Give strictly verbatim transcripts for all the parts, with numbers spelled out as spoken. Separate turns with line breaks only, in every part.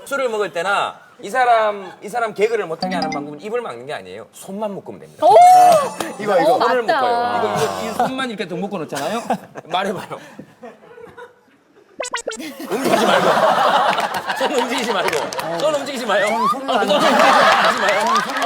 술을 먹을 때나 이 사람 이 사람 개그를 못하게 하는 방법은 입을 막는 게 아니에요. 손만 묶으면 됩니다.
오!
이거 이거
어,
손을
맞다.
묶어요. 이거 이거 이 손만 이렇게 더 묶어 놓잖아요. 말해봐요. 움직이지 말고. 손 움직이지 말고. 손 움직이지 마요. 손 움직이지 마요.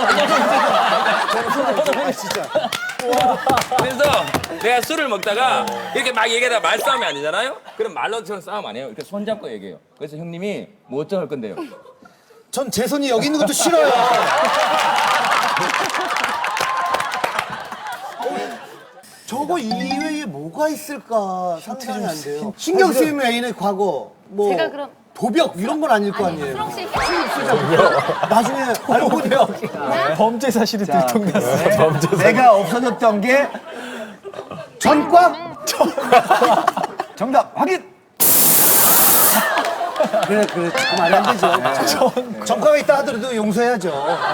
손 움직이지 마요.
진짜.
그래서 내가 술을 먹다가 이렇게 막 얘기하다가 말싸움이 아니잖아요? 그럼 말로처럼 싸움 안 해요. 이렇게 손 잡고 얘기해요. 그래서 형님이 뭐 어쩌할 건데요?
전 제 손이 여기 있는 것도 싫어요. 저거 이외에 뭐가 있을까 상상이 안 돼요. 신경 쓰이는 애인의 과거, 뭐
제가 그럼-
도벽 이런 건 아닐 거
아니,
아니에요.
수롱 씨
나중에 알고 보니까
범죄 사실이 들통났어.
내가 없어졌던 게
전과
정답 확인.
그래 그래 그 말이 안 되죠. 전과가 있다 하더라도 용서해야죠.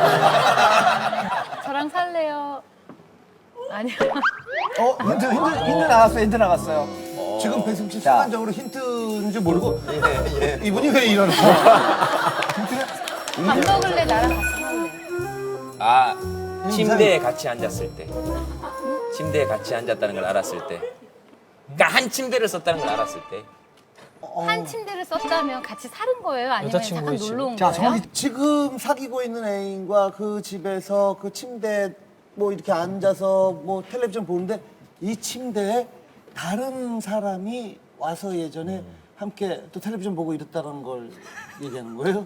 저랑 살래요? 아니요.
어 힌트 힌트 힌트 나갔어요. 힌트 나갔어요.
지금 배승 씨
자.
순간적으로 힌트인 줄 모르고 이분이 왜 이러는 거야?
밥 먹을래? 나랑 같이 먹을래?
아, 침대에 같이 앉았을 때. 침대에 같이 앉았다는 걸 알았을 때. 그러니까 한 침대를 썼다는 걸 알았을 때.
한 침대를 썼다면 같이 사는 거예요? 아니면 잠깐
여자친구의 집.
놀러 온
자
거예요?
정확히
지금 사귀고 있는 애인과 그 집에서 그 침대 뭐 이렇게 앉아서 뭐 텔레비전 보는데 이 침대에 다른 사람이 와서 예전에 함께 또 텔레비전 보고 이랬다는 걸 얘기하는 거예요?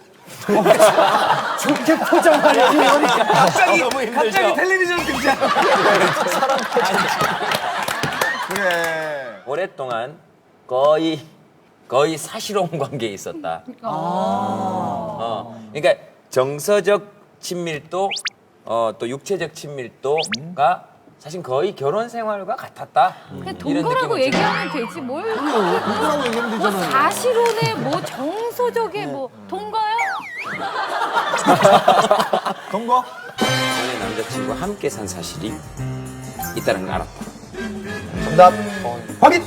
좋게 포장하려고 그러니까
갑자기 너무 힘들죠.
갑자기 텔레비전 등장. 그래.
오랫동안 거의 거의 사실혼 관계에 있었다. 어, 그러니까 정서적 친밀도, 어, 또 육체적 친밀도가 사실 거의 결혼 생활과 같았다.
그냥
이런
동거라고
느낌을
얘기하면 되지 뭘
누구라고 얘기하면
뭐
되잖아요.
사실혼에 뭐 정서적에 뭐 동거요?
동거.
전에 남자친구와 함께 산 사실이 있다는 걸 알았다.
정답 확인.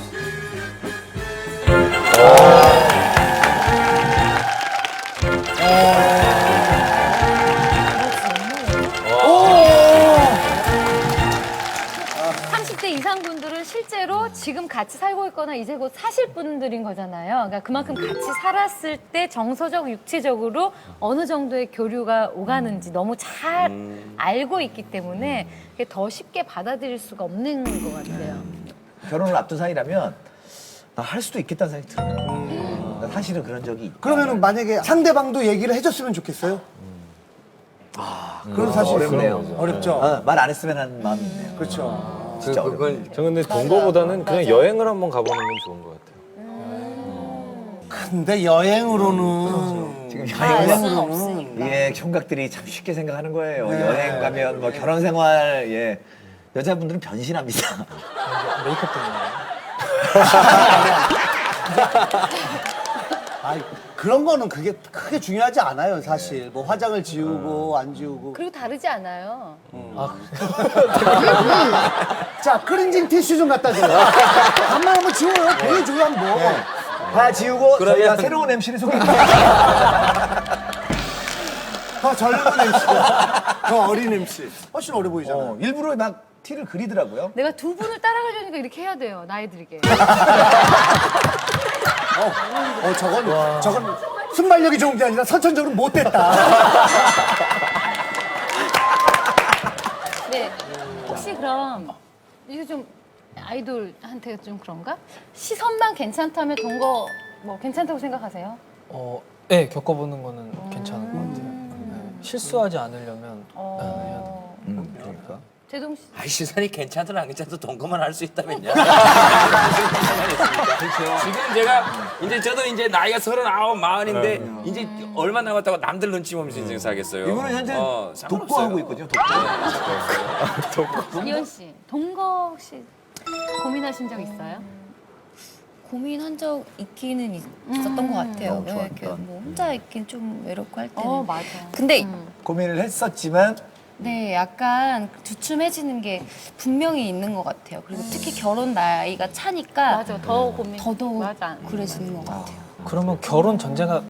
삼십 대 이상 분들은 실제로 지금 같이 살고 있거나 이제 곧 사실 분들인 거잖아요. 그러니까 그만큼 같이 살았을 때 정서적, 육체적으로 어느 정도의 교류가 오가는지 너무 잘 알고 있기 때문에 그게 더 쉽게 받아들일 수가 없는 것 같아요.
결혼을 앞둔 사이라면 나 할 수도 있겠다는 생각이 들어요. 나 사실은 그런 적이 있다.
그러면은 만약에 상대방도 얘기를 해줬으면 좋겠어요? 아, 그건 사실
어렵네요.
어렵죠.
아, 말 안 했으면 하는 마음이 있네요.
그렇죠.
진짜 어렵네.
그건
저 근데 동거보다는 그냥 여행을 한번 가보는 게 좋은 것 같아요.
근데 여행으로는
지금
알
여행은
수는 없으니까.
예, 총각들이 참 쉽게 생각하는 거예요.
네.
여행 가면 뭐 결혼 생활, 예. 여자분들은 변신합니다.
메이크업 때문에.
아이, 그런 거는 그게 크게 중요하지 않아요, 사실. 뭐 화장을 지우고 안 지우고.
그리고 다르지 않아요.
자, 크린징 티슈 좀 갖다 줘요. 간만 한번 지워요. 보여줘요, 한번.
다 지우고
그러면-
저희가 새로운 엠씨를 소개해드릴게요.
더 젊은 엠씨가. 더 어린 엠씨. 훨씬 어려 보이잖아요.
어, 일부러 막 티를 그리더라고요.
내가 두 분을 따라가려니까 이렇게 해야 돼요. 나이 들게.
어, 저건, 저건 순발력이 좋은 게 아니라 선천적으로 못됐다.
네. 혹시 그럼 이거 좀 아이돌한테 좀 그런가? 시선만 괜찮다면 동거 뭐 괜찮다고 생각하세요?
어, 네, 겪어보는 거는 괜찮은 것 같아요. 네, 실수하지 않으려면
어...
음, 그러니까.
제동 씨.
아이 시선이 괜찮든 안 괜찮든 동거만 할 수 있다면요. 지금 제가 이제 저도 이제 나이가 서른아홉, 마흔인데 이제 얼마 남았다고 남들 눈치 보면서 인생 살겠어요.
이분은 현재
어, 상관없어요.
독보하고 있거든요. 독보.
이현 씨, 동거 혹시 고민하신 적 있어요?
고민한 적 있기는 있- 있었던 것 같아요.
어,
왜
좋아,
이렇게
좋아.
뭐 혼자 있긴 좀 외롭고 할 때는.
어, 맞아.
근데
고민을 했었지만
네, 약간 주춤해지는 게 분명히 있는 것 같아요. 그리고 특히 결혼 나이가 차니까
맞아, 더 고민.
더더욱
맞아.
그래지는 것 같아요.
그러면 결혼 전제가